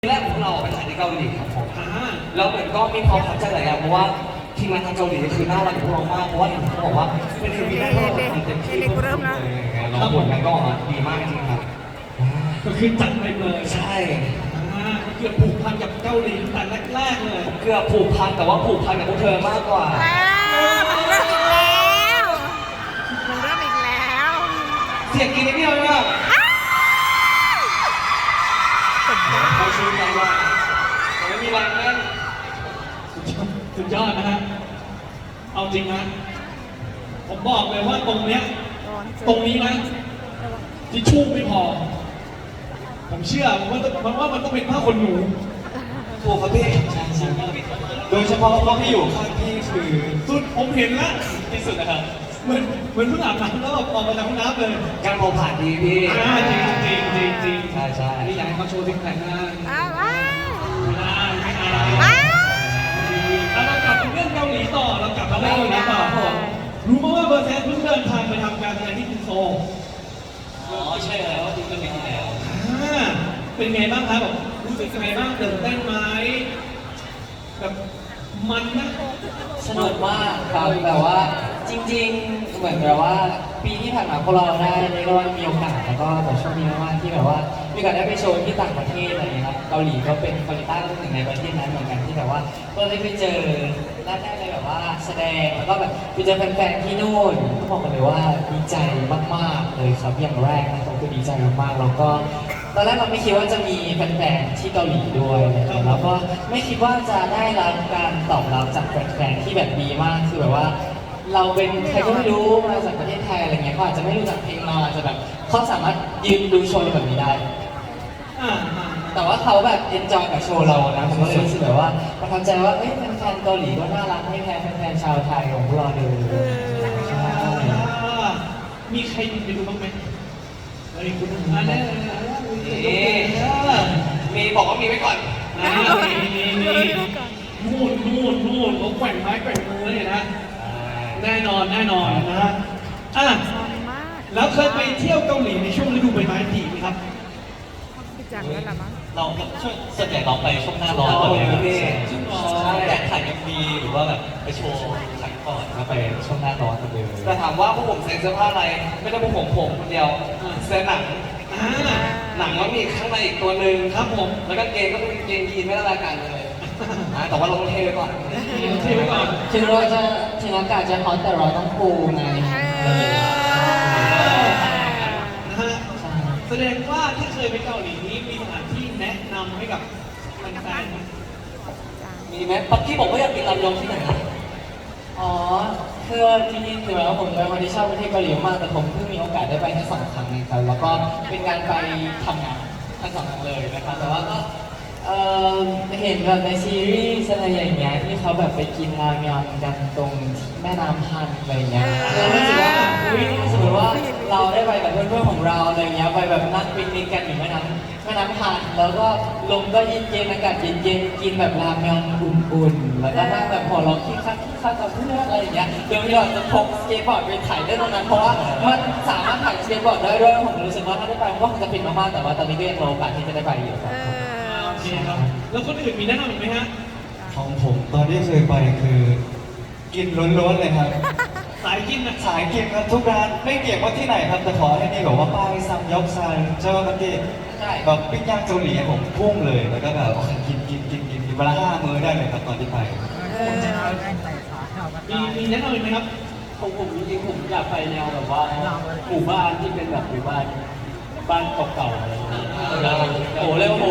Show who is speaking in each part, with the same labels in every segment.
Speaker 1: แรกของเราไปถ่ายที่เกาหลีครับผมแล้วเหมือนก็มีความประทับใจหลายอย่างเพราะว่าทีมงานทางเกาหลีคือน่ารักกับพวกเรามากเพราะว่าเห็นเขาบอกว่าเป็นทีมแรกที่เราทำเต็มที่ทุกคนเลยแล้วผลงานก็ออกมาดีมากจริงครับ
Speaker 2: ก็คือจัดไปเลย
Speaker 1: ใช่
Speaker 2: เกือบผูกพันกับเกาหลีแต่แรกๆเลย
Speaker 1: เกือบผูกพันแต่ว่าผูกพันกับพวกเธอมากกว่า
Speaker 3: มันเริ่มอีกแล้ว
Speaker 1: เสียงกินนิดเดียวเลยอะเขาชื่อใจว่าไม่มีแรงเล่น
Speaker 2: สุดยอดนะฮะเอาจริงนะผมบอกเลยว่าตรงนี้นะทิชชู่ไม่พอผมเชื่อว่ามันต้องเป็นผ้าขนหนู
Speaker 1: ถูกครับพี่โดยเฉพาะเพราะพี่อยู่ข้างพี่คือ
Speaker 2: สุดผมเห็นแล้วที่สุดนะครับเหมือนเพิ่งอาบน้ำแล้วออกมาจากห้องน้ำเลย
Speaker 1: การเผาผ่านดีพี่
Speaker 2: จริง
Speaker 1: ใช่
Speaker 2: นี่อยากให้เขาโชว์ซิกแพคหน้าเรากลับมาเรื่องเกาหลีต่อเรากลับมาเรื่องเกาหลีต่อรู้ไหมว่าเบอร์เซนเพิ่งเดินทางไปทำการแสดงที่กรุงโซล
Speaker 1: ใช่แล้วจริงก็มีแล้ว
Speaker 2: เป็นไงบ้างครับแบบรู้สึกยังไงบ้างตื่นเต้นไหมแบบมันนะ
Speaker 4: สนุกมากครับแบบว่าจริงๆเหมือนแบบว่าปีที่ผ่านมาพวกเราได้เรียกว่ามีโอกาสแล้วก็แบบโชคดีมากๆที่แบบว่ามีโอกาสได้ไปโชว์ที่ต่างประเทศอะไรอย่างเงี้ยครับเกาหลีก็เป็นเกาหลีใต้ก็เป็นหนึ่งในประเทศนั้นเหมือนกันที่แบบว่าก็ได้ไปเจอได้เลยแบบว่าแสดงแล้วก็แบบไปเจอแฟนๆที่นู่นก็บอกกันเลยว่าดีใจมากๆเลยครับอย่างแรกนะครับคือดีใจมากๆแล้วก็ตอนแรกเราไม่คิดว่าจะมีแฟนๆที่เกาหลีด้วยนะครับแล้วก็ไม่คิดว่าจะได้รับการตอบรับจากแฟนๆที่แบบดีมากคือแบบว่าเราเป็นใครก็ไม่รู้มาจากประเทศไทยอะไรเงี้ยเขาอาจจะไม่รู้จักเพลงเราอาจจะแบบเขาสามารถยืนดูโชว์แบบนี้ได้แต่ว่าเขาแบบเอนจอยกับโชว์เรานะผมก็เลยรู้สึกแบบว่าประทับใจว่าเอ้ยแฟนๆเกาหลีก็น่ารักไม่แพ้แฟนๆชาวไทยของพวกเราเลย
Speaker 2: มีใครไปดูบ้างไหมคุณ
Speaker 1: มีบอกว่ามีไว้ก่อน
Speaker 2: นู่นเขาแกว่งไม้แกว่งมือเลยนะแน่นอนนะฮะแล้วเคยไปเที่ยวเกาหลีในช่วงฤดูใบไม้ผลิไหมครับ
Speaker 4: เราส่วนใหญ่เราไปช่วงหน้าร้อนเลยแต่ถ่ายMVหรือว่าแบบไปโชว์ถ่ายก่อนแล้วไปช่วงหน้าร้อนกันเลย
Speaker 1: แต่ถามว่าพวกผมใส่เสื้อผ้าอะไรไม่ได้พวกผมคนเดียวเสื้อหนังมันมีข้างในอีกตัวหนึ่งครับผมแล้วก็เกงก็เป็นเกงยีนไม่ได้รายการเลยแต่ว่าเราต้องเทไว้ก่อน
Speaker 4: ถึงเราจะถึงอากาศจะร้อนแต่เราต้องปูไง
Speaker 2: แสดงว่าที่เคยไปเกาหลีนี้มีสถานที่แนะนำให้กับแฟน
Speaker 1: มีไหมปักกี้บอกว่าอยากกินลำยองที่ไหน
Speaker 4: อ๋อคือจริงๆถือว่าผมเป็นคนที่ชอบประเทศเกาหลีมากแต่ผมเพิ่งมีโอกาสได้ไปแค่2 ครั้งนะครับแล้วก็เป็นการไปทำงานทั้ง2 ครั้งเลยนะครับแต่ว่าก็เห็นแบบในซีรีส์อะไรอย่างเงี้ยที่เขาแบบไปกินรามยอนกันตรงแม่น้ำฮันอะไรเงี้ยเรารู้สึกว่าสมมติว่าเราได้ไปกับเพื่อนๆของเราอะไรเงี้ยไปแบบนั่งปิกนิกกันอยู่แม่น้ำฮันแล้วก็ลมก็เย็นๆอากาศเย็นๆกินแบบรามยอนอุ่นๆแล้วก็นั่งแบบหัวเราะคิดคักกับเพื่อนอะไรอย่างเงี้ยโดยที่เราจะพกสเก็ตบอร์ดไปถ่ายได้ตรงนั้นเพราะว่ามันสามารถถ่ายสเก็ตบอร์ดได้ด้วยผมรู้สึกว่าถ้าได้ไปก็คงจะปิดมากๆแต่ว่าตอนนี้ก็ยังรอโอกาสที่จะได้ไปอยู่ครับ
Speaker 2: ครับแล้วคนอื่นมีแนะนำอีกไหมฮะ
Speaker 5: ของผมตอนที่เคยไปคือกินล้วนๆเลยครับ
Speaker 2: สายกินนะ
Speaker 5: สายกินครับทุกร้านไม่เกี่ยงว่าที่ไหนครับแต่ขอให้นี่แบบว่าป้ายซัมยอกซันเจ้ากันที่แบบปิ้งย่างเกาหลีผมพุ่งเลยแล้วก็แบบกินเวลา5 มื้อได้เลยครับตอนที่ไป
Speaker 2: มีแนะนำอีกไหมครับ
Speaker 4: ของผมจริงๆผมอยากไปแนวแบบว่าหมู่บ้านที่เป็นแบบหมู่บ้านเก่าๆอะไรอย่างเงี้ยโอ้เร็วโห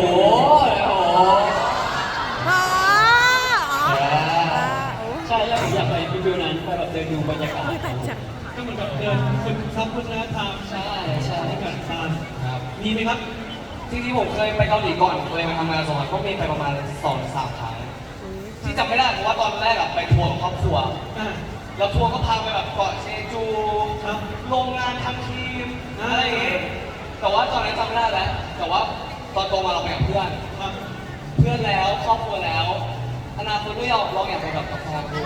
Speaker 4: ใช่แล้วผมอยากไปฟิวนั้นไปแบบเดินดูบรรยากาศ
Speaker 2: ก็เหมือนแบบเดินฝึกซับวัฒนธรรม
Speaker 4: ใช่
Speaker 2: ที่แบบมีไหมครับ
Speaker 1: ที่ผมเคยไปเกาหลีก่อนเคยมาทำงาน2 ครั้งก็มีไปประมาณ2-3 ครั้งที่จำไม่ได้เพราะว่าตอนแรกไปทัวร์กับครอบครัวแล้วทัวร์ก็พาไปแบบเกาะเชจูโรงงานทำทีมอะไรอย่างเงี้ยแต่ว่าตอนนั้นจำไม่ได้แล้วแต่ว่าตอนโตมาเราไปกับเพื่อนแล้วครอบครัวแล้วอนาคตก็อยากไปกับแฟนด้วย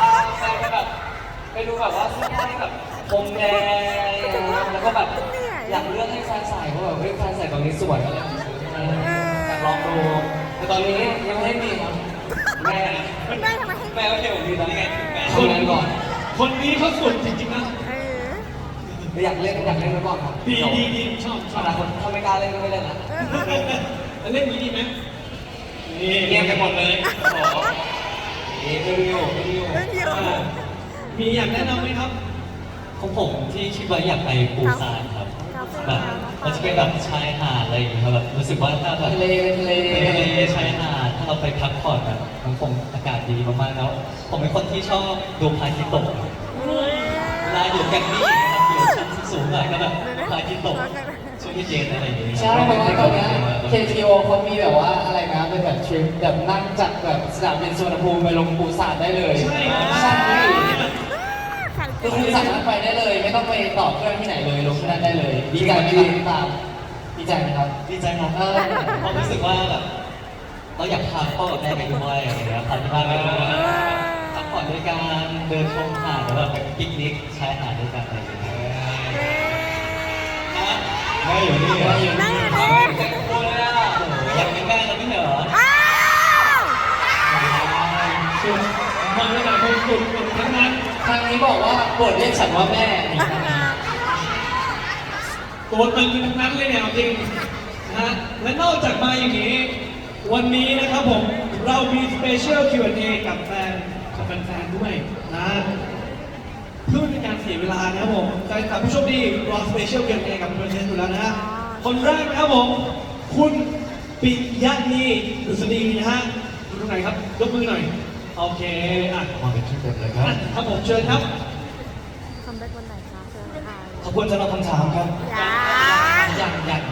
Speaker 1: อยากไปแบบไปดูแบบว่าเสื้อผ้าแบบพรมแดงแล้วก็แบบ
Speaker 4: อยากเลือกให้แฟนใส่เพราะแบบเฮ้ยแฟนใส่ตรงนี้สวยก็เลยซื้อให้อยากลองดูแต่ตอนนี้ยังไม่มีครับแม่
Speaker 3: แม่ทำไมให้
Speaker 1: แม่ก็เกี่ยวกับดีตอนนี้ไงแม่
Speaker 2: คน
Speaker 1: ทำงานก่อน
Speaker 2: คนนี้เขาสุดจริงๆนะ
Speaker 3: เออ
Speaker 1: อยากเล่นไว้ก่อนครับ
Speaker 2: ดีชอบ
Speaker 1: อนาคตถ้าไม่กล้าเล่นก็ไม่เล่นละ
Speaker 2: แล้วเล่นนี้ดีไหมนี่
Speaker 1: เงียบไปหมดเลยโอ้โหไม่รู้อยู่ไม่รู้อยู่
Speaker 3: เล่นอยู่
Speaker 2: มีอยากแนะนำไหมครับ
Speaker 6: ของผมที่คิดว่าอยากไปปูซานครับ
Speaker 3: ครับ
Speaker 6: แบบมันจะเป็นแบบชายหาดอะไรอย่างเงี้ยครับแบบรู้สึกว่าถ้าแบบ
Speaker 4: ทะเลทะเล
Speaker 6: ทะเลชายหาดถ้าเราไปพักผ่อนแบบมันคงอากาศดีมากๆแล้ว ผมเป็นคนที่ชอบดูพระอาทิตย์ตกเวลาอยู่แกรมมี่นะครับอยู่ชั้นสูงๆหน่อยก็แบบพระอาทิตย์ตกช่วงที่เย็นอะไรอย่างเงี้ย
Speaker 4: ใช่เพราะว่าตอนเนี้ย KTO เขามีแบบว่าอะไรนะเป็นแบบทริปแบบนั่งจากแบบสนามบินสุวรรณภูมิไปลงปูซานได้เลย
Speaker 2: ใช่
Speaker 4: ใช่
Speaker 3: ขัน
Speaker 4: คือคุณสามารถไปได้เลย ไม่ต้องไปต่อเครื่องที่ไหนเลยลงที่นั่นได้เลย ดีใจไหมครับตามดีใจไหมครับ
Speaker 6: ดีใจครับเพราะรู้สึกว่าแบบเราอยากพาพ่อกับแม่ไปด้วยอะไรอย่างเงี้ยพาที่บ้านไปด้วยพักผ่อนด้วยกันเดินชมหาดแล้วแบบไปปิกนิกชายหาดด้วยกันอะไรอย่างเงี้ย
Speaker 5: แม่อยู่นี่เหรอ
Speaker 3: นั่งอยู่
Speaker 6: โอ้
Speaker 3: นี่
Speaker 6: โหอยากเป็นแม่แล้วไม่เหรอ
Speaker 3: อ้าว
Speaker 2: สุดมาเลยนะคนสุดทั้งนั้น
Speaker 4: ทางนี้บอกว่าโปรดเรียกฉันว่าแม่นี่ครับ
Speaker 2: ตัวตึงทั้งนั้นเลยเนี่ยเอาจริงนะฮะและนอกจากมาอย่างนี้ วันนี้นะครับผมเรามีสเปเชียล Q&A กับแฟนๆด้วยนะเพื่อไม่เป็นการเสียเวลานะครับผมแฟนคลับผู้โชคดีรอสเปเชียล Q&A กับเพื่อนๆอยู่แล้วนะฮะคนแรกนะครับผม คุณปิยะนีดุษฎีนะฮะอยู่ตรงไหนครับยกมือหน่อยโอเคอ่ะ
Speaker 5: มาเป็นชุดเต็มเลยครับ
Speaker 2: ครับผมเชิญครับ
Speaker 3: คำแบ็กวันไหนคะเจอใคร
Speaker 5: ขอบคุณสำหรับคำถามครับ
Speaker 3: ยัง
Speaker 4: ยัง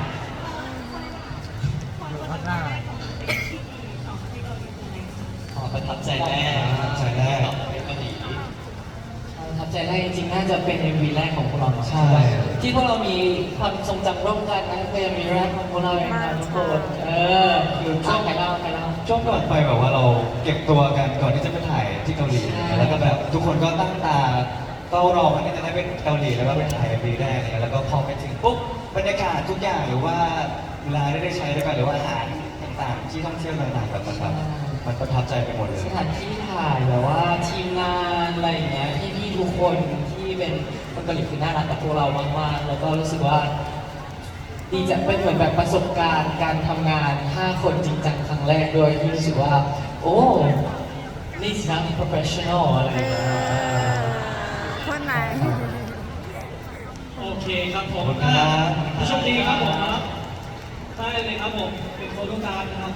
Speaker 6: ประทับใจแน่
Speaker 5: ประทับใจแน่
Speaker 6: ไปเกาหลี
Speaker 4: ประทับใจแรกจริงๆน่าจะเป็น MV แรกของพวกเรา
Speaker 5: ใช่
Speaker 4: ที่พวกเรามีความทรงจำร่วมกันนะเป็น MV แรกของพวกเราเองนะทุกคนอยู่ช่วงใครเล่า
Speaker 5: ช่วงก่อนไปแบบว่าเราเก็บตัวกันก่อนที่จะไปถ่ายที่เกาหลี แล้วก็แบบทุกคนก็ตั้งตาเฝ้ารอวันที่จะได้ไปเกาหลีแล้วก็ไปถ่ายปีแรกเนี่ยแล้วก็พอไปถึงปุ๊บบรรยากาศทุกอย่างหรือว่าเวลาได้ใช้ด้วยกันหรือว่าอาหารต่างๆ ที่ท่องเที่ยวต่างๆแบบมันประทับใจไปหมดเลย
Speaker 4: สถานที่ถ่ายแบบว่าทีมงานอะไรอย่างเงี้ยพี่ๆทุกคนที่เป็นคนเกาหลีคือน่ารักกับพวกเรามากๆแล้วก็รู้สึกว่าดีจะเป็นเหมือนแบบประสบการณ์การทำงาน 5 คนจริงจังครั้งแรกด้วยที่รู้สึกว่า โอ้นี่สินะ professional อะไรอย่างเงี้ย
Speaker 3: คนไหน
Speaker 2: โอเคครับผม
Speaker 5: ขอบคุณครับ
Speaker 2: ผู้โชคดีครับผมครับได้เลยครับผม เป็นโฟโต้การ์ดนะครับ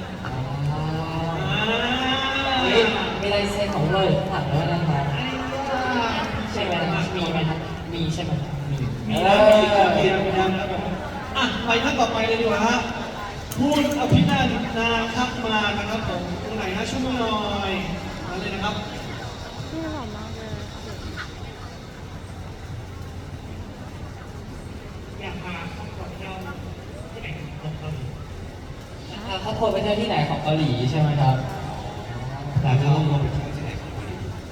Speaker 4: เฮ้ยมีลายเซ็นของเราอยู่ข้างหลังด้วยนะครับใช่ไหมมีไหมครับมีใช่ไหมมี
Speaker 2: มีนะมีครับมีนะครับผมอ่ะไปท่านต่อไปเลยดีกว่าฮะคุณอภินันท์นาคับมานะครับผมตรงไหนฮะช่วยมือหน่อยมาเลยนะครับ
Speaker 3: นี่หอมมากเลย
Speaker 2: อยากมาขอเที่ยวที่ไหนของเกาหลี
Speaker 4: เขาโพสไปเที่ยวที่ไหนของเกาหลีใช่ไหมครับ
Speaker 5: อยากเข้าร่วมไปเที่ยวที่ไหนของเกาหลี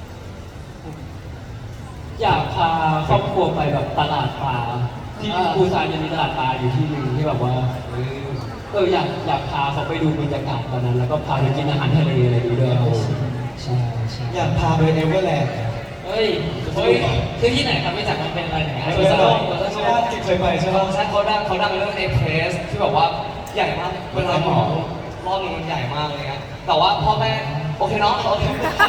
Speaker 6: อยากพาครอบครัวไปแบบตลาดปลาที่ปูซานจะมีตลาดปลาอยู่ที่หนึงที่แบบว่าอยากพาเขาไปดูบรรยากาศตอนนั้น แล้วก็พาไปกินอาหารทะเลอะไรดูด้วยครับผม
Speaker 4: ใช่ใช่
Speaker 5: อยากพาไปเอเวอร์แลนด์
Speaker 4: เฮ้ยคือที่ไหนครับไม่จักมันเป็นอะไรอย่างเงี้ย
Speaker 5: เคยไปใช่ไหมเคยไปใช่ไหม
Speaker 1: ใช่เขาดังเรื่องเอเพรสที่แบบว่าใหญ่มากเวลาหมอรอบนึงมันใหญ่มากเลยนะแต่ว่าพ่อแม่โอเคเนาะโอเค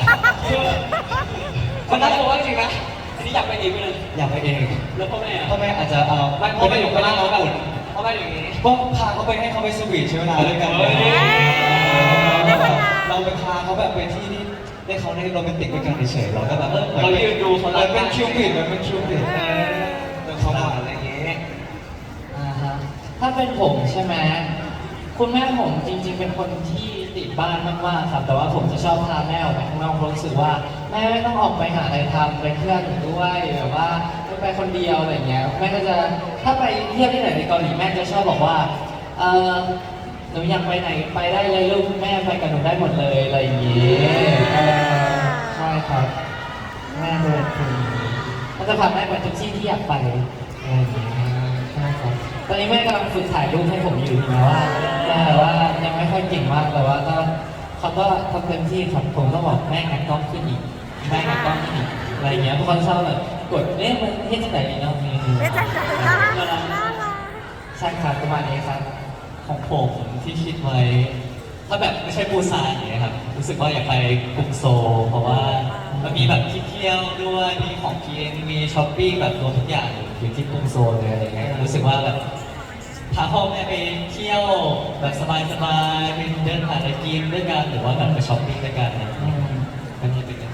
Speaker 1: มันน่ากลัวจริงนะ
Speaker 6: อันนี้อยากไปเองเลย
Speaker 5: อยากไปเอง
Speaker 6: แล้วพ่อแม่
Speaker 5: พ่อแม่อาจจะเอา
Speaker 1: ไม่พ่อแม่อยู่ข้างล่าง
Speaker 5: แล้
Speaker 1: แล้ว ว
Speaker 5: อุ่น
Speaker 1: พ่อแม่อยู่อย่างนี้
Speaker 5: ก็พาเขาไปให้เขาไปสวีทใช้เวลาด้วยกันเราไปพาเขาแบบไปที่ที่ได้เขาได้โรแมนติกด้วยกันเฉยๆเราก็แบบเรายืนดูเขาเป็นคิวปิดมันเป็นคิวปิดเป็นความหวานอะไรอย่างเงี้ย
Speaker 4: อ่าฮะถ้าเป็นผมใช่ไหมคุณแม่ผมจริง ๆ เป็นคนที่ติดบ้านมากๆครับ แต่ว่าผมจะชอบพาแม่ออกไปข้างนอกเพราะรู้สึกว่าแม่ไม่ต้องออกไปหาอะไรทำไปเที่ยวอยู่ด้วยแบบว่าไม่ไปคนเดียวอะไรเงี้ยแม่ก็จะถ้าไปเที่ยวที่ไหนในเกาหลีแม่จะชอบบอกว่าหนูอยากไปไหนไปได้เลยลูกแม่ไปกับหนูได้หมดเลยอะไรอย่างงี้ใช่ครับแม่เป็นคนอย่างนี้เขาจะพาแม่ไปทุกที่ที่อยากไปอะไรอย่างเงี้ยใช่ครับอนนี้แม่กำลังฝึกถ่ายรูปให้ผมอยู่นะว่าแต่ว่ายังไม่ค่อยเก่งมากแต่ว่าก็เขาก็ทำเต็มที่ครับผมก็บอกแม่งัดกล้องขึ้นอีกแม่งัดกล้องขึ้นอีกอะไรเงี้ยทุกคนชอบแบบกดมันเฮ็ดจังไหนดีเนาะ
Speaker 3: ไม่จังใจน่ารักน่ารัก
Speaker 4: ใช่ครับประมาณนี้ครับ
Speaker 6: ของผมที่คิดไว้ ถ้าแบบไม่ใช่ปูซานอย่างเงี้ยครับรู้สึกว่าอยากไปกรุงโซลเพราะว่ามันมีแบบที่เที่ยวด้วยมีของกินมีช้อปปิ้งแบบรวมทุกอย่างอยู่ที่กรุงโซลเลยอะไรเงี้ยรู้สึกว่าแบบพาพ่อแม่ไปเที่ยวแบบสบายๆไปเดินหาอะไรกินด้วยกันหรือว่าแบบไปช้อปปิ้งด้วยกันอะไรอย่างเงี้ยอันนี้เป็น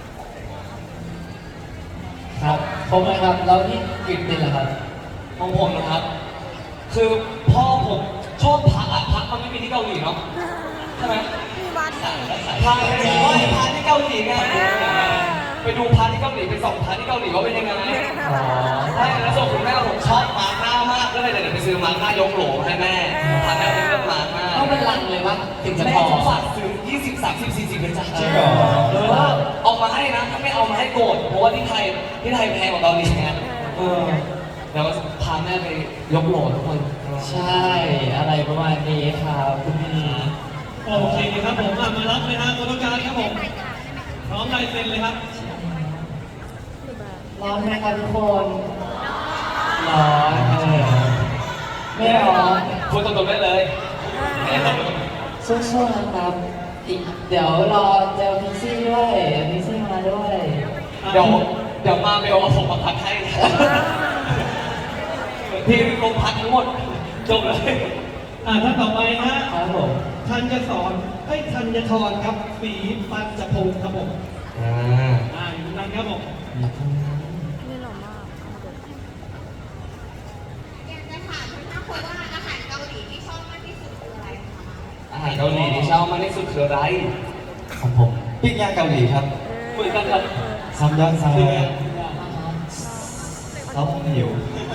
Speaker 4: ครับผมนะครับแล้วที่กินเป็นเหรอครับ
Speaker 1: ของผมนะครับ คือพ่อผมชอบพระอะพระมันไม่มีที่เกาหลีเนาะใช่ไหม
Speaker 3: มีวัดนี่
Speaker 1: พาไปดูว่าพาที่เกาหลีไงไปดูพาที่เกาหลีไปส่องพาที่เกาหลีว่าเป็นยังไง
Speaker 4: อ๋อ
Speaker 1: ใช่แล้วส่วนคุณแม่ผมชอบมาร์ก้ามากก็เลยเดี๋ยวไปซื้อมาร์ก้ายกโหลให้แม่พาแม่ไปเลือกมาร์ก้า
Speaker 4: ต้องเป็นลังเลยวะถึงจะ
Speaker 1: แม่
Speaker 4: พอ
Speaker 1: ผมฝากซื้อ20 30 40เป็นจ้ะ
Speaker 5: จริงเหรอ
Speaker 1: เอามาให้นะถ้าไม่เอามาให้โกรธเพราะว่าที่ไทยแพงกว่าเกาหลีไงแล้วก็พาแม่ไปยกโหลทุกคน
Speaker 4: ใช่อะไรประมาณนี้ครับคุณพี่
Speaker 2: โอเคครับผมมารับเลยฮะตัวต้องการครับผมพร้อมลายเซ็นเลยครับ
Speaker 4: ร้อนไหมครับทุกคนร้อนไม่ร้อน
Speaker 1: คุณตรงๆได้เลย
Speaker 4: สู้ๆนะครับอีกเดี๋ยวรอเจอพิซซี่ด้วยพิซซี่มาด้วย
Speaker 1: เดี๋ยวมาเบลเอาผมมาพักให้ทีมลงพักทั้งหมดจบเลย
Speaker 2: ท่านต่อไปฮะ
Speaker 4: ครับผม
Speaker 2: ธัญสอนธัญทรครับศรีปัญจพงศ์ครับผมอยู่นั่นครับผม
Speaker 3: นี่หล่อมากเอามาดู
Speaker 7: อยากจะถามทั้ง5คนว่าอาหารเกาหลีที่ชอบมากที่สุดคืออะไรคะ
Speaker 1: อาหารเกาหลีที่ชอบมากที่สุดคืออะไร
Speaker 5: ของผมปิ้งย่างเกาหลีครับ
Speaker 1: เหมือนกันครับ
Speaker 5: ซัมยอนซาเขาหิว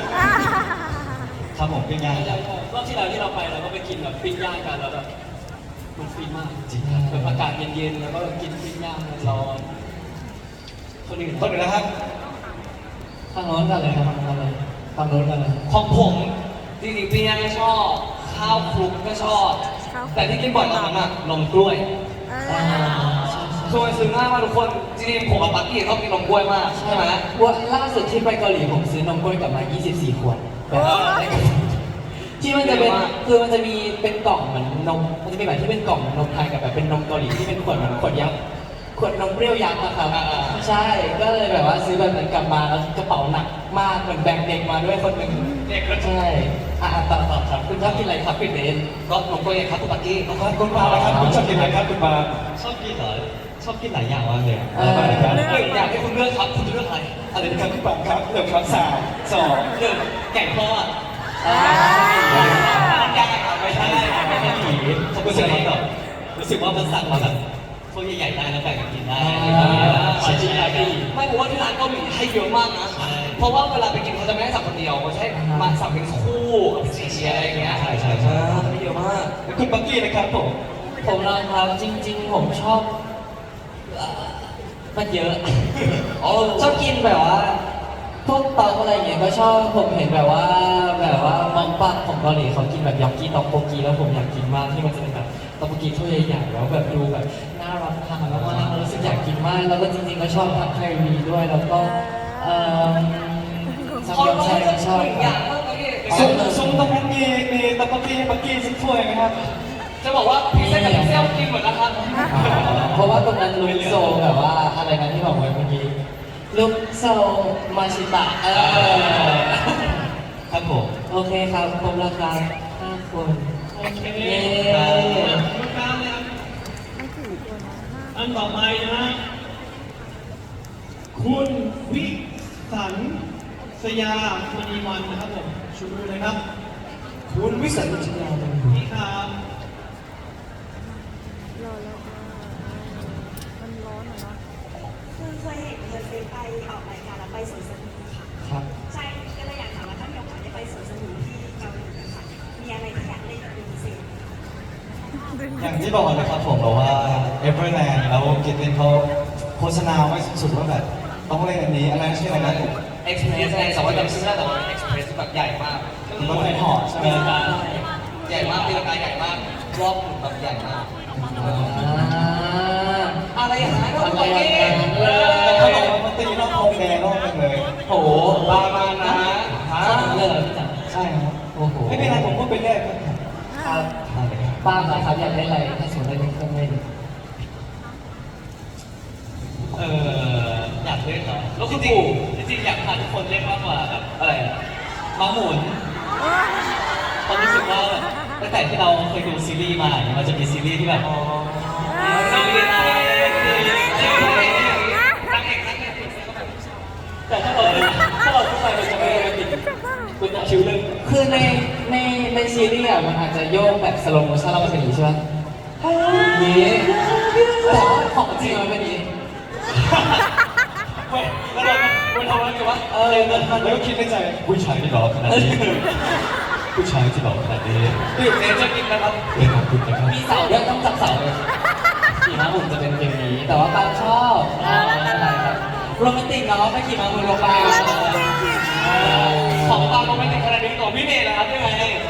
Speaker 5: ครับผมปิ้งย่างครับ
Speaker 6: รอบที่แล้วที่เราไปเราก็ไปกินแบบปิ้งย่างกันแล้วแบบมันฟินมาก
Speaker 5: จริงครับ
Speaker 6: แบบอากาศเย็นๆแล้วก็กินปิ้งย่างร้อนคนอื่น
Speaker 5: ต้นเลยนะครับ
Speaker 4: ฝั่งโน้นกันเลยครับฝั่งโน้นเลยฝั่งโน้นกันเลย
Speaker 1: ของผมจริงๆปิ้งย่างก็ชอบข้าวคลุกก็ชอบ แต่ที่กินบ่อยตอนนั้นอะนมกล้วย คือมันซื้อง่ายมากทุกคนจริงๆผมกับปักกี้ชอบกินนมกล้วยมากใช่ไหม
Speaker 4: วันล่าสุดที่ไปเกาหลีผมซื้อนมกล้วยกลับมา 24 ขวดแบบที่มันจะเป็นคือมันจะมีเป็นกล่องเหมือนนมมันจะมีแบบที่เป็นกล่องนมไทยกับแบบเป็นนมเกาหลีที่เป็นขวดเหมือนขวดยักษ์ขวดนมเปรี้ยวยักษ์นะครับใช่ก็เลยแบบว่าซื้อแบบนั้นกลับมาแล้วกระเป๋าหนักมากเหมือนแบกเด็กมาด้วยคนหนึ่ง
Speaker 1: เด็กก็
Speaker 4: ใช่ต่อครับคุณชอบกินอะไรครับพี่เดน
Speaker 1: ก็นมกล้วยไงครับคุณปักกี้
Speaker 5: ครับคุณปาครับคุณชอบกินอะไรครับคุณปา
Speaker 6: ชอบกินเหรอชอบกินหลายอย่างมากเลย
Speaker 1: อยากให้คุณเลือกครับคุณจะเลือกอะไร
Speaker 5: อะไรนะครับคุณปาครับเดี๋ยวครับ3 2
Speaker 1: หนึ่งแกงทอด
Speaker 6: ยากอะไม่ใช่ไม่ใช่ผีเขารู้สึกว่าแบบรู้สึกว่ามันสั่งมาแบบพวกใหญ่ๆได้แล้วแบ่งกันกินได้ชิ้นใหญ่ก็ดี
Speaker 1: ไม่ผมว่าที่ร้านเกาหลีให้เยอะมากนะ เพราะว่าเวลาไปกินเขาจะไม่ให้สั่งคนเดียวเขาใช้มาสั่งเป็นคู่กับสี่อะไรอย่างเงี้ยให้เยอะมาก
Speaker 5: คุณปักกี้นะครับผม
Speaker 4: ผมนะครับจริง ๆ ผมชอบมันเยอะชอบกินแบบว่าพวกต๊อกอะไรอย่างเงี้ยก็ชอบผมเห็นแบบว่ามองปังของเกาหลีเขากินแบบยอกกี้ต๊อกโกกีแล้วผมอยากกินมากที่มันจะเป็นแบบต๊อกโกกีถ้วยใหญ่ๆแล้วแบบดูแบบน่ารับทานมากๆรู้สึกอยากกินมากแล้วก็จริงๆก็ชอบผัดไทยมีด้วยแล้วก็ซัม
Speaker 1: เขา
Speaker 4: ยอง
Speaker 1: ต้อง
Speaker 4: ไช่
Speaker 1: เลื
Speaker 4: ก็
Speaker 1: อก
Speaker 4: ชอบ
Speaker 1: หนึ่งอย่างมากเลย
Speaker 5: ซุ้มตรงนั้นมีตะปักกี้ปักกี้สักถ้วยไหมครับ
Speaker 1: จะบอกว่าพิซซ่ากับพิซซ่ากินเหมือนนะครับ
Speaker 4: เพราะว่าตรงนั้นลุกโซแบบว่าอะไรนะที่บอกไว้เมื่อกี้ลุกโซมาชิตะ
Speaker 5: ครับผม
Speaker 4: โอเคครับครบราคา5 คน
Speaker 2: โอเค
Speaker 4: เย้
Speaker 2: ลูกค้าเลยครับ
Speaker 3: มันกี่ตัวนะ
Speaker 2: อันต่อไปนะฮะคุณวิสันสยามณีวันนะครับผมชูมือเลยครับ
Speaker 1: คุณวิสันต์จิยา
Speaker 2: นี่ครับ
Speaker 3: รอแล้วมันร้อนอ่ะเนาะ
Speaker 7: คือเคยเห็นเธอไปออกรายการแล้วไปสวนสนุกค่ะ
Speaker 4: ครับ
Speaker 7: ใช่ก็เลยอยากถามว่าถ้ามีโอกาสได้ไปสวนสนุกที่เกาหลีค่ะมีอะไรที่อยากเล่นเป็นพิเศษไหมคะ
Speaker 5: อย่างที่บอกนะครับผมบอกว่า Everland แล้วกิตตินเขาโฆษณาไว้สุดๆว่าแบบต้องเล่นอันนี้อะไรชื่ออะไรนะ
Speaker 1: เอ็กซ์เพรสไงสมมติจำชื่อได้แต่ว่าเอ็กซ์เพรสแบบใหญ่มากก็
Speaker 5: รถไฟเหาะใช่ไหม
Speaker 1: ใหญ่มากตีลังกาใหญ่มากรอบหมุนแบบใหญ่มากอะไรอย่างนั้นก็
Speaker 4: อะไร
Speaker 1: ตัว
Speaker 4: อย่าง
Speaker 1: นี้
Speaker 4: นั้น
Speaker 5: แต่เขาบอกว่ามันตีรอบทองแดงรอบนึงเลย
Speaker 4: โอ้โห
Speaker 1: ประมาณนะฮะ
Speaker 4: ขนาดนั้นเลยเหรอพี่จัน
Speaker 5: ใช่ครับ
Speaker 4: โอ้โห
Speaker 5: ไม่เป็นไรผมพูดไปเรื่อยครับ
Speaker 4: ครับป้าครับอยากได้อะไรถ้าสมมติได้เป็นเครื่องเล่น
Speaker 6: อยากเล่นเหรอแล้วคุณปู่จริงๆอยากพาทุกคนเล่นมากกว่าแบบอะไรอะม้าหมุนตอนรู้สึกว่าแบบตั้งแต่ที่เราเคยดูซีรีส์มาเนี่ยมันจะมีซีรีส์ที่แบบซีรีส์แต่ถ้าเราเข้าไปมันจะไม่โรแมนติกมันจะชิลเรื่อง
Speaker 4: คือในซีรีส์อะมันอาจจะโยกแบบสโลโมชั่นแล้วมันเป็นอย่างนี้ใช่ไหมอย่างนี้แต่ว่าของจริงมันเป็นอย่างนี้
Speaker 6: แล้วเราทำอะไรกันวะ
Speaker 5: แล้วก็คิดในใจผู้ชายที่หล่อขนาดนี้ผู้ชายที่หล่อขนาดนี้
Speaker 1: ดื่มเนเจอร์กินนะครับ
Speaker 5: เป็นขอบคุณนะครับ
Speaker 4: มีเสาด้วยต้องจับเสาเลยขี่ม้าหมุนจะเป็นเพลงนี้ แต่ว่าปางชอบอะไรครับโรแมนติกเนาะไปขี่ม้าหมุนลงไป
Speaker 1: ของตามโรแมนติกขนาดนี้ของพี่เมย์นะครับยังไง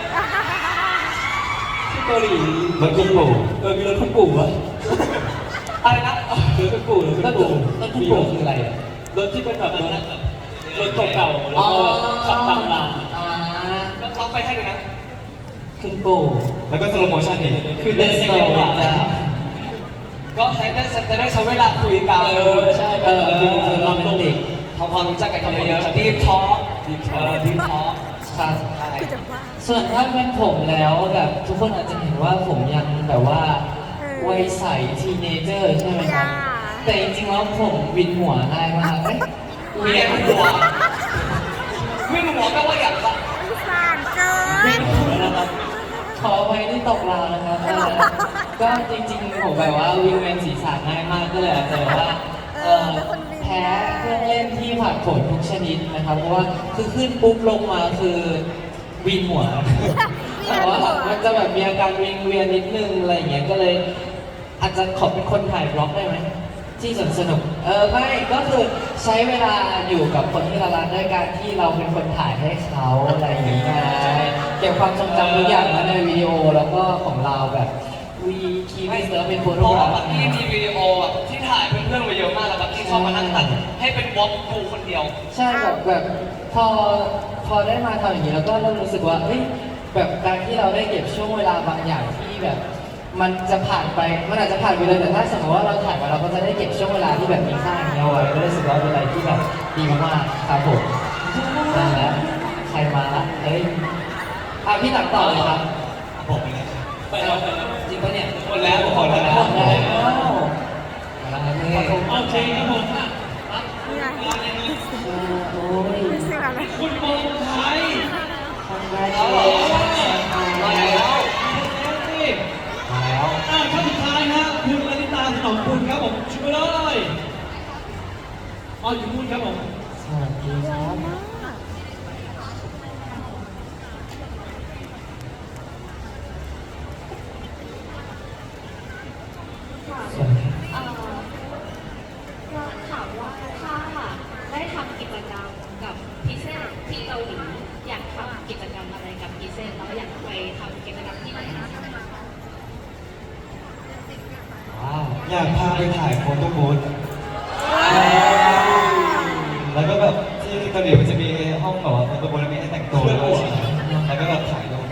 Speaker 4: ที่เกาหลี
Speaker 5: รถคุณปู่
Speaker 4: มีรถคุณปู่วะ
Speaker 1: อะไรนะ
Speaker 4: รถคุณปู่รถคุณปู่รถคุณปู่คืออะไรอะ
Speaker 6: รถที่เป็นแบบรถเก่าๆแล้วก็ขับตามหลัง
Speaker 1: เราไปให้ดูนะ
Speaker 4: คุณปู่
Speaker 5: แล้วก็สโลโมชั่นอีก
Speaker 4: คือเดินสโลว์นะ
Speaker 1: ก็ใช้ได้จะได้ใช้เวลาคุยกัน
Speaker 4: ใช่คือโรแมนติก
Speaker 1: ทำความรู้จักกันเยอะๆดีทอล์กดีทอล์ก
Speaker 4: ครับส่วนถ้าเป็นผมแล้วแบบทุกคนอาจจะเห็นว่าผมยังแบบว่าวัยใสทีเนเจอร์ใช่ไหมครับแต่จริงๆแล้วผมวินหัวง่ายมาก
Speaker 1: เวียนหัวไม่รู้หัวแปลว่าอย่างไร
Speaker 3: สานเกิ
Speaker 4: วิ
Speaker 3: น
Speaker 4: นหัวนะครับขอไว้ที่ตกราวนะครับก็จริงๆผมแบบว่าวิงเวียนศีรษะง่ายมากก็เลยอาจจะแบบว่าแพ้เครื่องเล่นที่ผัดผลทุกชนิดนะครับเพราะว่าคือขึ้นปุ๊บลงมาคือวินหัว แต่ว่ามันจะแบบมีอาการวิงเวียนนิดนึงอะไรอย่างเงี้ยก็เลย อาจจะขอเป็นคนถ่ายบล็อกได้ไหมที่สนุกไม่ก็คือใช้เวลาอยู่กับคนที่เรารักด้วยการที่เราเป็นคนถ่ายให้เขาอะไรอย่างเงี้ยเก็บความทรงจำทุกอย่างไว้ในวิดีโอแล้วก็ของเราแบบวีคีย์เซิร์ฟเป็นโฟ
Speaker 1: เพ
Speaker 4: โต้
Speaker 1: ราะ
Speaker 4: ก
Speaker 1: ว่า
Speaker 4: ราฟ
Speaker 1: บักกี้มีวิดีโอแบบที่ถ่ายเพื่อนๆมาเยอะมากแล้วบักกี้ชอบมานั่งตัดให้เป็นวอล์กดูคนเดียว
Speaker 4: ใช่แบบพอได้มาทำอย่างนี้แล้วก็เริ่มรู้สึกว่าเอ้ยแบบการที่เราได้เก็บช่วงเวลาบางอย่างที่แบบ มันจะผ่านไปมันอาจจะผ่านไปเลยแต่ถ้าสมมติว่าเราถ่ายมาเราก็จะได้เก็บช่วงเวลาที่แบบมีค่าอย่างเงี้ยเอาไว้ก็รู้สึกว่าเป็นอะไรที่แบบดีมากๆครับผมนั่นแหละใครมาละเฮ้ยพี่ตักต่อเลยครับ
Speaker 5: ผมเลย
Speaker 6: ไปแล้ว
Speaker 4: จริงปะเนี่ย
Speaker 1: หมดแล้วหมดแล้ว
Speaker 4: หมดแล้วมาแล้วนี่
Speaker 6: โอเคครับผมอ่ะ
Speaker 4: โอ้ย
Speaker 3: เสียงอะไร
Speaker 6: คุณโมงไทย
Speaker 4: ทำได้
Speaker 1: เอา
Speaker 4: เล
Speaker 1: เหรอย มาแล้ว
Speaker 4: มาแล้ว
Speaker 2: ท่านสุดท้ายฮะคุณลลิตาถนอมคุณครับผมช่วยเลยอยู่นู่นครับผม
Speaker 4: สวัสดีครับ
Speaker 3: มาก
Speaker 4: สวัสดี
Speaker 8: เราถามว่าถ้าได้ทำกิจกรรมกับพิเศษที่เกาหลีอยากทำกิจกรรมอะไรกับพิเศษแล้วอยากไปทำกิจกรรมที่ไหนคะ
Speaker 4: ว้าว
Speaker 5: อยากพาไปถ่ายโฟโต้บูธแล้วก็แบบที่เกาหลีมันจะมีห้องแบบว่าโฟโต้บูธแล้วมีให้แต่งตัวด้วยแล้วก็แบบถ่ายรูปแบบ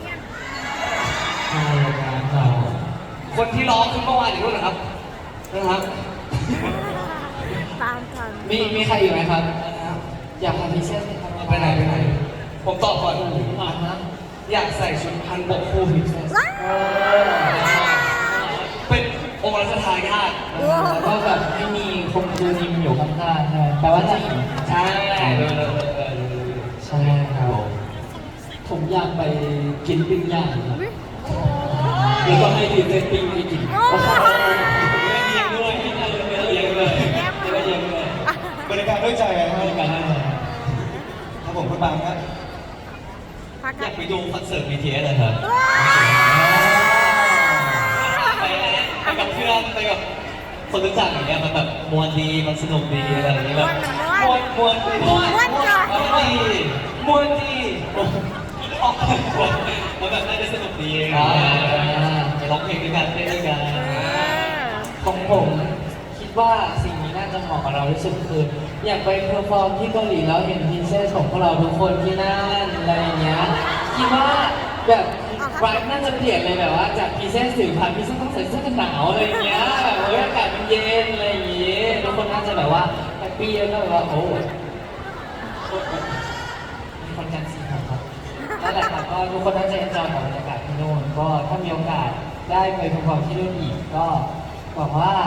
Speaker 4: อะไรกันต่อ
Speaker 1: คนที่ร้องขึ้นเมื่อวานอยู่ด้วยเหรอครับนะครับ
Speaker 3: ตามทัน
Speaker 4: มีใครอยู่ไหมครับ อยากทำพิเศษไหมครับ
Speaker 1: ไปไหนไปไหน ผมตอบก่อน
Speaker 4: อ่ะฮะ
Speaker 1: อยากใส่ชุดพันบกคู่พิเศษ
Speaker 3: ว้าว
Speaker 1: เป็นองค์รัชทายาท
Speaker 4: แล้วก็แบบไม่มีคงดูนิมอยู่ข้างๆใช่ไหมแปลว่าจะหญิง
Speaker 1: ใช่เลย
Speaker 4: ใช่ครับ
Speaker 2: ผมอยากไปกินปิ้งย่างครับแล้วก็ให้ดีเจปิ้งให้กิน
Speaker 3: โอ้โห
Speaker 6: เลี้ยงด้วยเลี้ยงเลยเลี้ยงเลย
Speaker 5: บริการด้วยใจนะค
Speaker 6: ให้
Speaker 5: รับ
Speaker 6: กันได้เลย
Speaker 5: ครับผมคุณบางครับ
Speaker 3: พัก
Speaker 6: อ
Speaker 3: กั
Speaker 6: ยาน กไปดูคอนเสิร์ต BTS เลยครับ ไปกับเพื่อนไปกับคนรู้จักอย่างเงี้ยมันแบบมวนดีมันสนุกดีอะไรอย่างเงี้ยแบบ
Speaker 1: มวนดี
Speaker 3: ม้วนจ้ะ
Speaker 1: มวนดีมวนดี
Speaker 6: แล้วแบบน่าจะสนุกดี
Speaker 4: อ่า
Speaker 6: ไปร้องเพลงด้วยกันเต้นด้วยกัน
Speaker 4: ของผมคิดว่าสิ่งนี้น่าจะเหมาะกับเราที่สุดคืออยากไปเพอร์ฟอร์มที่เกาหลีแล้วเห็นพินเซสของพวกเราทุกคนที่นั่นอะไรอย่างเงี้ยคิดว่าแบบวัยน่าจะเปลี่ยนเลยแบบว่าจากพินเซสถึงพันพินเซสต้องใส่เสื้อกันหนาวอะไรอย่างเงี้ยแบบอากาศมันเย็นอะไรอย่างเงี้ยทุกคนน่าจะแบบว่าแฮปปี้แล้วก็แบบว่าโอ้มีคนกันสิครับนั่นแหละครับก็ทุกคนน่าจะเอ็นจอยกับบรรยากาศที่นู่นก็ถ้ามีโอกาสได้ไปเพอร์ฟอร์มที่นู่นอีกก็หวังว่า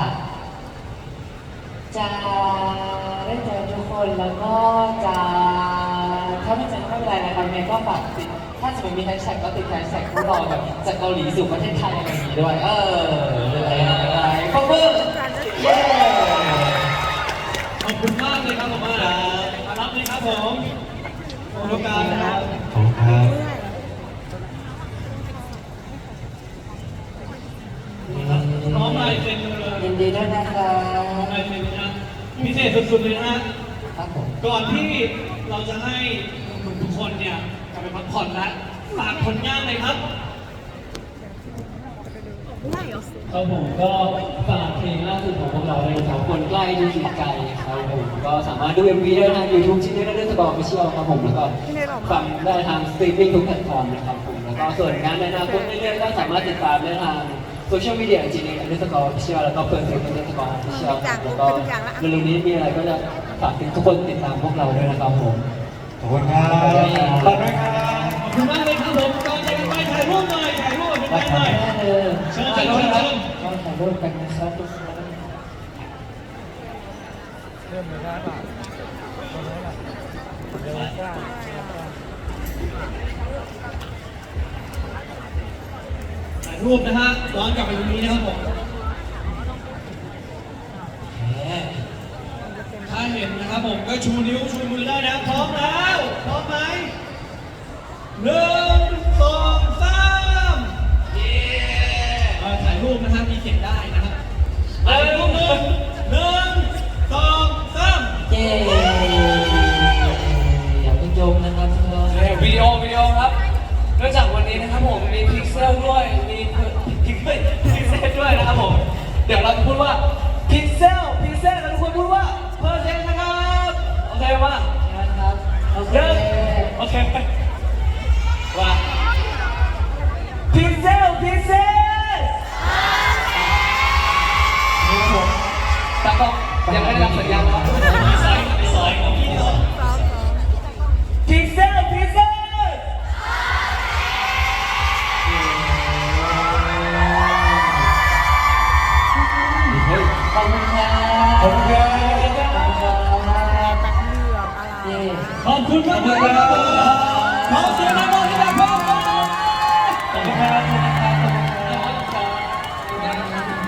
Speaker 4: จะได้เจอทุกคนแล้วก็จะถ้าไม่เจอก็ไม่เป็นไรนะครับยังไงก็ฝากติดถ้าสมมติมีแฮชแท็กก็ติดแฮชแท็กพวกเราแบบจากเกาหลีสู่ประเทศไทยอะไรอย่างนี้ด้วยอะไรขอบคุณเย้
Speaker 2: ขอบคุณมากเลยครับผมมารับเลยครับผมขอบคุณการนะครับ
Speaker 5: ขอบคุณครับ
Speaker 2: น้องมาเซ็นเลย
Speaker 4: ยินดีด้วยนะครั
Speaker 2: น้อง
Speaker 4: บ
Speaker 2: มาเซ็นนะพิเศษสุดๆเลยนะฮะ
Speaker 4: ครับผม
Speaker 2: ก่อนที่เราจะให้ทุกคนเนี่ยกลับไปพักผ่อนแล้วฝากผลงานเลยครับ
Speaker 9: ครับผมก็ฝากเพลงล่าสุดของพวกเราเลยครับคนใกล้ที่สุดไกลครับผมก็สามารถดู MV ได้ทาง YouTube ชิ้นนี้ได้ด้วยสกอร์ออฟฟิเชียลครับผมแล้วก็ฟังได้ทางสตรีมมิ่งทุกแพลตฟอร์มนะครับผมแล้วก็ส่วนงานในอนาคตเรื่อยๆก็สามารถติดตามได้ทางโซเชียลมีเดียจริงๆด้วยสกอร์ออฟฟิเชียลแล้วก็เปิดเพลงด้วยสกอร์ออฟฟิเชียลครับแล้วก็เร็วๆนี้มีอะไรก็จะฝากทุกคนติดตามพวกเราด้วยนะครับผม
Speaker 5: ขอบคุณครับขอบคุณครับ
Speaker 2: ขอบคุณมากเลยครับผมก่อนจะไปถ่ายรูปหน่อยถ่ายรูปเป็นไงหน่อย
Speaker 4: ได้เลย
Speaker 2: เชิญเชิญเชิญเชิญ
Speaker 4: ก็ถ่ายรูปกันนะครับทุกคน
Speaker 2: ถ่ายรูปนะฮะย้อนกลับไปตรงนี้นะครับผมถ้าเห็นนะครับผมก็ชูนิ้วชูมือได้นะพร้อมแล้วพร้อมไหม1 2 3เย้ถ่ายรูปนะฮะมีเขียนได้นะครับถ่ายรูป1 2 3
Speaker 4: เย้อย่าเพิ่งโยมนะครับทุกคน
Speaker 1: วิดีโอครับเนื่องจากวันนี้นะครับผมมีพิกเซลด้วยมีพิกเซลด้วยนะครับผมเดี๋ยวเราจะพูดว่าพิกเซลแล้วทุกคนพูดว่าเพอร์เซนต์นะครับโอเคป่ะ
Speaker 4: ครับโอเค
Speaker 1: โอเคว่าพิกเซลแต่ก็ยังไม่ได้รับสัญญาณครับ
Speaker 6: มีซอยของพี่เนาะ
Speaker 1: พิกเซล
Speaker 4: ขอบคุณครับ
Speaker 5: ขอบคุณครับ
Speaker 4: เย้
Speaker 2: ขอบคุณมากเลยครับขอเสียงดังๆให้กับพวกเรา
Speaker 4: ขอบคุณครับขอบคุณครับขอบคุณ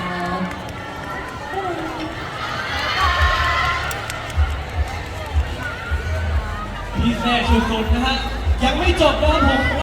Speaker 4: ครับ
Speaker 2: พิเศษสุดๆนะฮะยังไม่จบนะครับผม